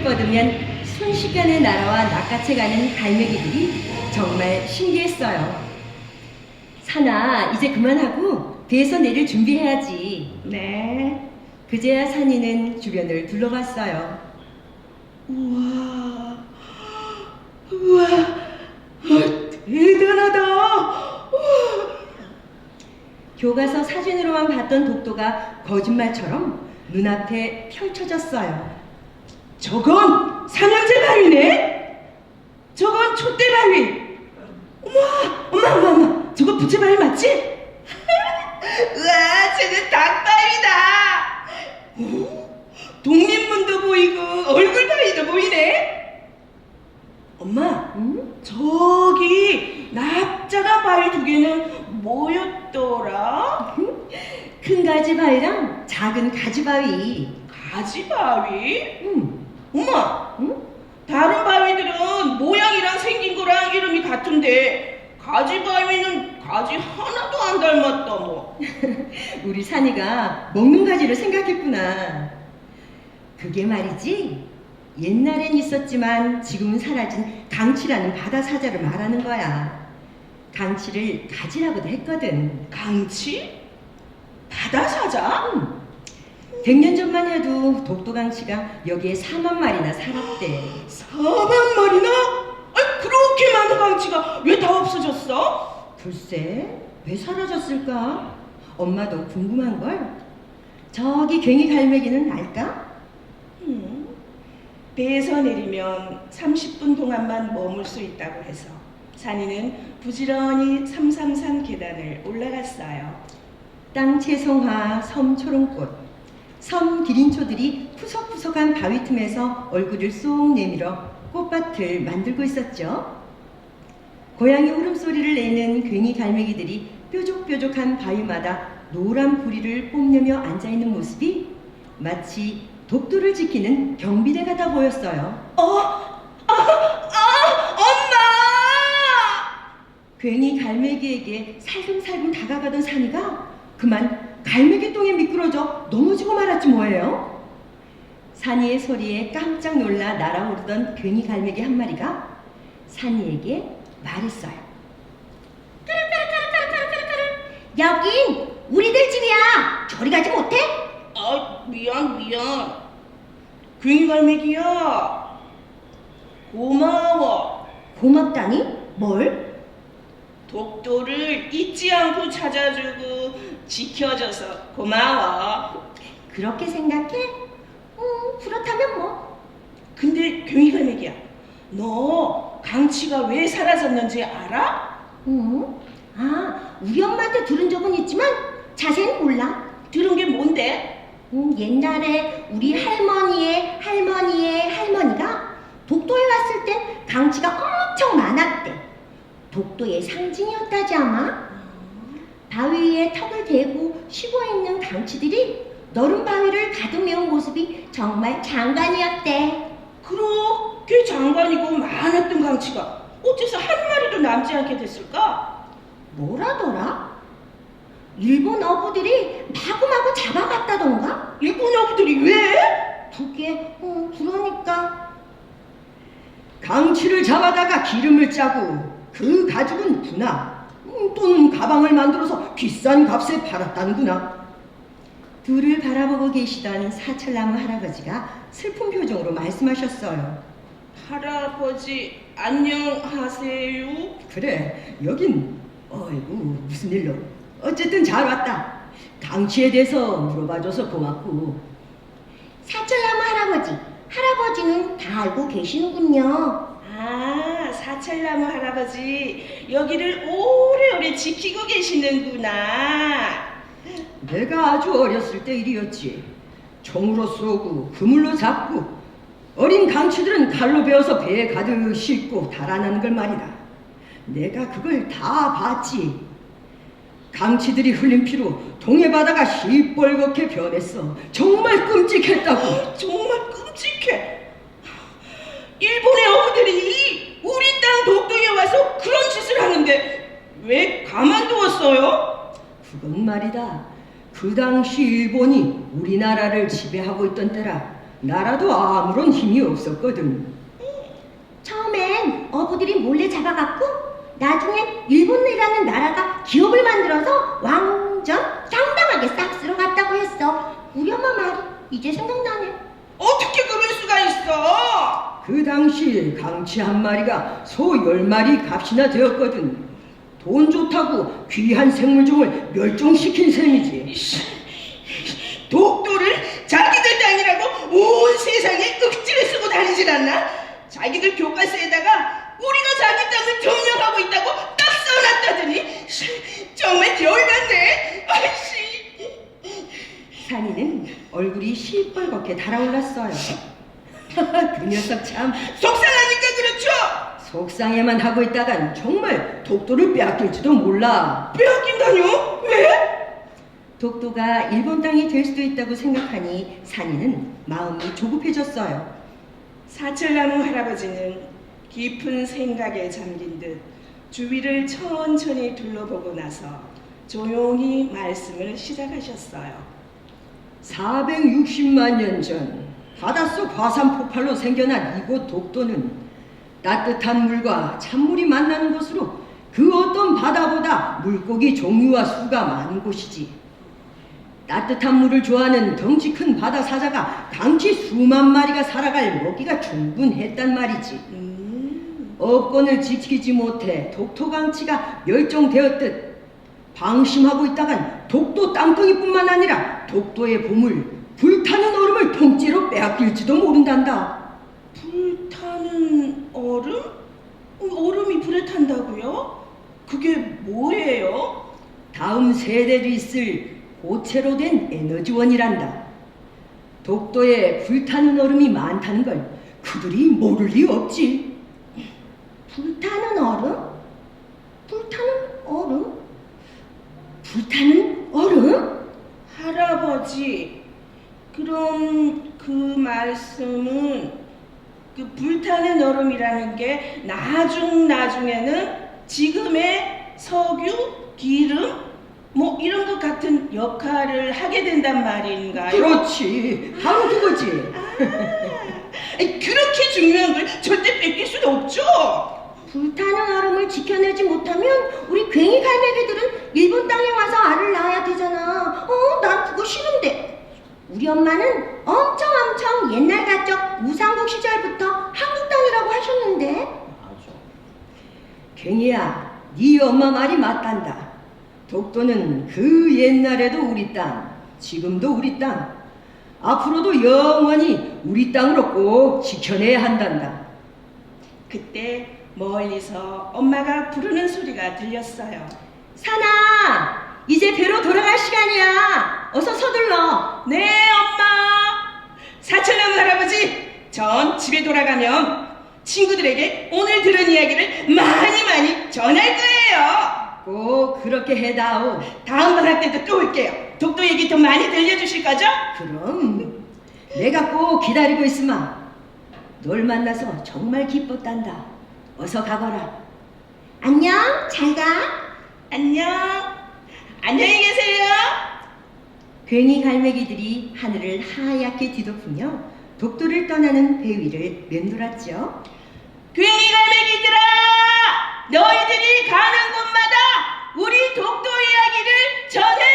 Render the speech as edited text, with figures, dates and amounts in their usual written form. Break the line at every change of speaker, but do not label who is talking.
힘을 뻗으면 순식간에 날아와 낚아채가는 갈매기들이 정말 신기했어요. 산아, 이제 그만하고 배에서 내릴 준비해야지.
네.
그제야 산이는 주변을 둘러봤어요.
우와, 우와, 대단하다. 우와.
교과서 사진으로만 봤던 독도가 거짓말처럼 눈앞에 펼쳐졌어요.
저건 삼형제 바위네. 저건 촛대 바위. 엄마, 저거 부채 바위 맞지? 우와, 저건 닭바위다. 독립문도 보이고 얼굴 바위도 보이네. 엄마,
응?
저기 납작한 바위 두 개는 뭐였더라?
큰 가지바위랑 작은 가지바위.
가지바위?
응.
엄마,
응?
다른 바위들은 모양이랑 생긴 거랑 이름이 같은데 가지바위는 가지 하나도 안 닮았다 뭐.
우리 산이가 먹는 가지를 생각했구나. 그게 말이지, 옛날엔 있었지만 지금은 사라진 강치라는 바다 사자를 말하는 거야. 강치를 가지라고도 했거든.
강치? 바다사자?
100년 전만 해도 독도강치가 여기에 4만 마리나 살았대.
4만 마리나? 아니, 그렇게 많은 강치가 왜 다 없어졌어?
글쎄, 왜 사라졌을까? 엄마도 궁금한걸? 저기 괭이 갈매기는 알까?
배에서 내리면 30분 동안만 머물 수 있다고 해서 산이는 부지런히 삼삼산 계단을 올라갔어요.
땅 채송화, 섬 초롱꽃, 섬 기린초들이 푸석푸석한 바위 틈에서 얼굴을 쏙 내밀어 꽃밭을 만들고 있었죠. 고양이 울음소리를 내는 괭이 갈매기들이 뾰족뾰족한 바위마다 노란 부리를 뽐내며 앉아있는 모습이 마치 독도를 지키는 경비대 같아 보였어요.
엄마!
괜히 갈매기에게 살금살금 다가가던 산이가 그만 갈매기 똥에 미끄러져 넘어지고 말았지 뭐예요. 산이의 소리에 깜짝 놀라 날아오르던 괜히 갈매기 한 마리가 산이에게 말했어요. 여긴 우리들 집이야. 저리 가지 못해?
아, 미안. 괭이 갈매기야. 고마워.
고맙다니? 뭘?
독도를 잊지 않고 찾아주고 지켜줘서 고마워.
그렇게 생각해? 그렇다면 뭐.
근데 괭이 갈매기야, 너 강치가 왜 사라졌는지 알아?
우리 엄마한테 들은 적은 있지만 자세히 몰라.
들은 게 뭔데?
옛날에 우리 할머니의 할머니가 독도에 왔을 땐 강치가 엄청 많았대. 독도의 상징이었다지 아마. 바위 위에 턱을 대고 쉬고있는 강치들이 너른 바위를 가득 메운 모습이 정말 장관이었대.
그렇게 장관이고 많았던 강치가 어째서 한 마리도 남지 않게 됐을까?
뭐라더라? 일본 어부들이 마구마구 잡아갔다던가?
일본 어부들이 왜?
그게 그러니까
강치를 잡아다가 기름을 짜고 그 가죽은 분화 또는 가방을 만들어서 비싼 값에 팔았다는구나.
둘을 바라보고 계시던 사철나무 할아버지가 슬픈 표정으로 말씀하셨어요.
할아버지 안녕하세요.
그래, 여긴 어이구 무슨 일로. 어쨌든 잘 왔다. 강치에 대해서 물어봐줘서 고맙고.
사철나무 할아버지는 다 알고 계시는군요.
아, 사철나무 할아버지 여기를 오래오래 지키고 계시는구나.
내가 아주 어렸을 때 일이었지. 총으로 쏘고 그물로 잡고 어린 강치들은 칼로 베어서 배에 가득 싣고 달아나는 걸 말이다. 내가 그걸 다 봤지. 강치들이 흘린 피로 동해 바다가 시뻘겋게 변했어. 정말 끔찍했다고.
정말 끔찍해. 일본의 어부들이 우리 땅 독도에 와서 그런 짓을 하는데 왜 가만두었어요?
그건 말이다. 그 당시 일본이 우리나라를 지배하고 있던 때라 나라도 아무런 힘이 없었거든.
처음엔 어부들이 몰래 잡아갔고 나중엔 일본이라는 나라가 기업을 만들어서 완전 상당하게 싹 쓸어갔다고 했어. 우리 엄마 말이 이제 생각나네.
어떻게 그럴 수가 있어?
그 당시 강치 한 마리가 소 10마리 값이나 되었거든. 돈 좋다고 귀한 생물종을 멸종시킨 셈이지.
독도를 자기들 땅이라고 온 세상에 억지를 쓰고 다니질 않나? 자기들 교과서에다가 우리가 자기 땅을 점령하고 있다고 딱 써놨다더니 정말 열받네. 아이씨.
산이는 얼굴이 시뻘겋게 달아올랐어요. 그 녀석 참
속상하니까 그렇죠.
속상해만 하고 있다간 정말 독도를 빼앗길지도 몰라.
빼앗긴다뇨? 왜?
독도가 일본 땅이 될 수도 있다고 생각하니 산이는 마음이 조급해졌어요.
사철나무 할아버지는 깊은 생각에 잠긴 듯 주위를 천천히 둘러보고 나서 조용히 말씀을 시작하셨어요.
460만 년 전 바닷속 화산 폭발로 생겨난 이곳 독도는 따뜻한 물과 찬물이 만나는 곳으로 그 어떤 바다보다 물고기 종류와 수가 많은 곳이지. 따뜻한 물을 좋아하는 덩치 큰 바다 사자가 강치 수만 마리가 살아갈 먹이가 충분했단 말이지. 업권을 지키지 못해 독토 강치가 멸종되었듯 방심하고 있다간 독도 땅덩이뿐만 아니라 독도의 보물 불타는 얼음을 통째로 빼앗길지도 모른단다.
불타는 얼음? 얼음이 불에 탄다고요? 그게 뭐예요?
다음 세대도 있을 고체로 된 에너지원이란다. 독도에 불타는 얼음이 많다는 걸 그들이 모를 리 없지.
불타는 얼음? 불타는 얼음? 불타는 얼음?
할아버지, 그럼 그 말씀은 그 불타는 얼음이라는 게 나중에는 지금의 석유, 기름 뭐 이런 것 같은 역할을 하게 된단 말인가요?
그렇지. 바로 그거지.
아니, 그렇게 중요한 걸 절대 뺏길 수는 없죠.
불타는 얼음을 지켜내지 못하면 우리 괭이 갈매기들은 일본 땅에 와서 알을 낳아야 되잖아. 난 그거 싫은데. 우리 엄마는 엄청 옛날 가적 우상국 시절부터 한국 땅이라고 하셨는데.
갱이야, 네 엄마 말이 맞단다. 독도는 그 옛날에도 우리 땅, 지금도 우리 땅, 앞으로도 영원히 우리 땅으로 꼭 지켜내야 한단다.
그때 멀리서 엄마가 부르는 소리가 들렸어요.
산아, 이제 배로 돌아갈 시간이야. 어서 서둘러.
네, 엄마. 사철나무 할아버지, 전 집에 돌아가면 친구들에게 오늘 들은 이야기를 많이 전할 거예요.
꼭 그렇게 해다오.
다음 방학 때도 또 올게요. 독도 얘기 더 많이 들려주실 거죠?
그럼 내가 꼭 기다리고 있으마. 널 만나서 정말 기뻤단다. 어서 가거라.
안녕, 잘 가.
안녕. 안녕히 계세요.
괭이 갈매기들이 하늘을 하얗게 뒤덮으며 독도를 떠나는 배 위를 맴돌았죠.
괭이 갈매기들아, 너희들이 가는 곳마다 우리 독도 이야기를 전해